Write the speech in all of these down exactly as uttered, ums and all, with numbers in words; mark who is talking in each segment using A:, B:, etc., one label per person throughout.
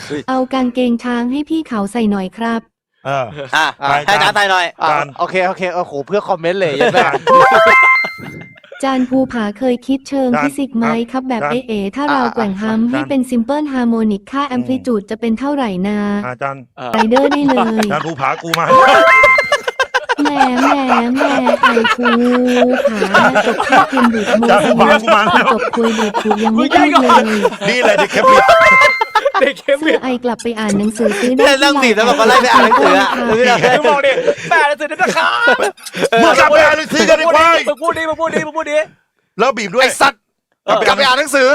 A: เอากางเกงช้างให้พี่เขาใส่หน่อยครับ
B: เออ
C: อ่ะให้อาจารย์ไทยหน่อย
D: โอเคโอเคโอ้โหเพื่อคอมเมนต์เลยยังไง
A: จานภูผาเคยคิดเชิง
B: จาน
A: ฟิสิกส์ไหม
B: ครับ
A: ครับแบบ
B: จาน
A: เอเอถ้าเรา
D: อ่ะ
A: แกว่งฮัม
B: จาน
A: ให้เป็นซิมเพิลฮาร์โมนิกค่าแอมพลิจูดจะเป็นเท่าไหร่นา
B: อาจารย์
A: ไรเดอร์ได้เลย
B: อาจารย์ภูผากูมา
A: แหมแหมแหมไอภูผาจบแค่เพียงดูดโม
B: จานภูผากูมาแล้ว
A: จบคุยดูดถูยังไม่พูดเลย
B: นี่เลยเด็กแคปิด
E: เด็กเข้ม
A: เสื้อไอกลับไปอ่านหนังสือซื้อได้
C: เนี่ยเรื่องบีบแล้วบอกว่าไล่ไปอ่านหนังสืออะ
A: ที่ร้าน
E: มึงบอกดิแปดสิบนะครับ
B: มึงกลับไปอ่านหนังสือกันดีกว่า
E: มึงพูดดิมึงพูดดิมึงพูดดิ
B: แล้วบีบด้วย
D: ไอสัตว์กลับไปอ่านหนังสือ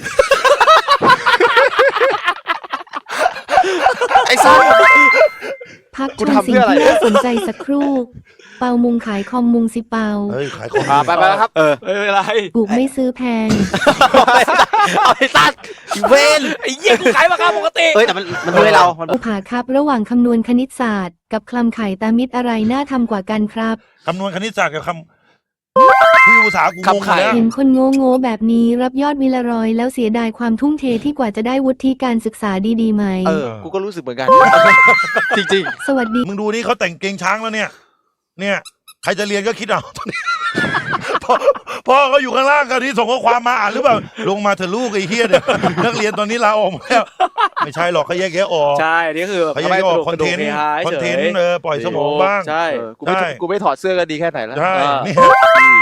D: ไอสัตว์
A: พักช
D: กู
A: ม
D: ทำ
A: สิ่
D: เพื่
A: ง
D: ออะไร
A: ที่น่าสนใจสักครู่ เปามุงขายคอมมุงสิเปา
B: เฮ้ยขายของ
D: อ่าไปไปแล้วครับ
C: เออ
E: เอออะไร
A: กูไม่ซื้อแพง
C: เอาไอ้สัตว์เวน
E: ไอ้เหี้ยกูขายราคาปกติ
C: เอ้ยแต่มันมันด้วยเรามัน
A: อุผาครับระหว่างคำนวณคณิตศาสตร์ กับคลำไข่ตามิตรอะไรน่าทำกว่ากันครับ
B: คำนวณคณิตศาสตร์กับคำผู้ภาษากูงงแล้ว
A: เห็นคนโง่โง่ๆแบบนี้รับยอดวิลารอยแล้วเสียดายความทุ่มเทที่กว่าจะได้วุฒิการศึกษาดีๆไหม
D: เออกูก็รู้สึกเหมือนกัน จริง
A: สวัสดี
B: มึงดูนี่เขาแต่งเกงช้างแล้วเนี่ย เนี่ย ใครจะเรียนก็คิดเอาตอนนี้ พ่อพ่อเขาอยู่ข้างล่างกันที่ส่งข้อความมาอ่านหรือเปล่า ลงมาเถอะลูกไอ้เฮียเนี่ยนักเรียนตอนนี้ลาออกหมดแล้ว ไม่ใช่หรอกเขาแยกแยะออก
E: ใช่นี่คือ
B: เขาแยกแยะออกคอนเทนต์คอนเทนต์เออปล่อยสมองบ้าง
E: ใช่
D: ๆเออกูไม่
B: ใช่
D: กูไม่ถอดเสื้อก็ดีแค่ไหนแล้ว
B: ใช่
E: อ่า
B: เนี่ย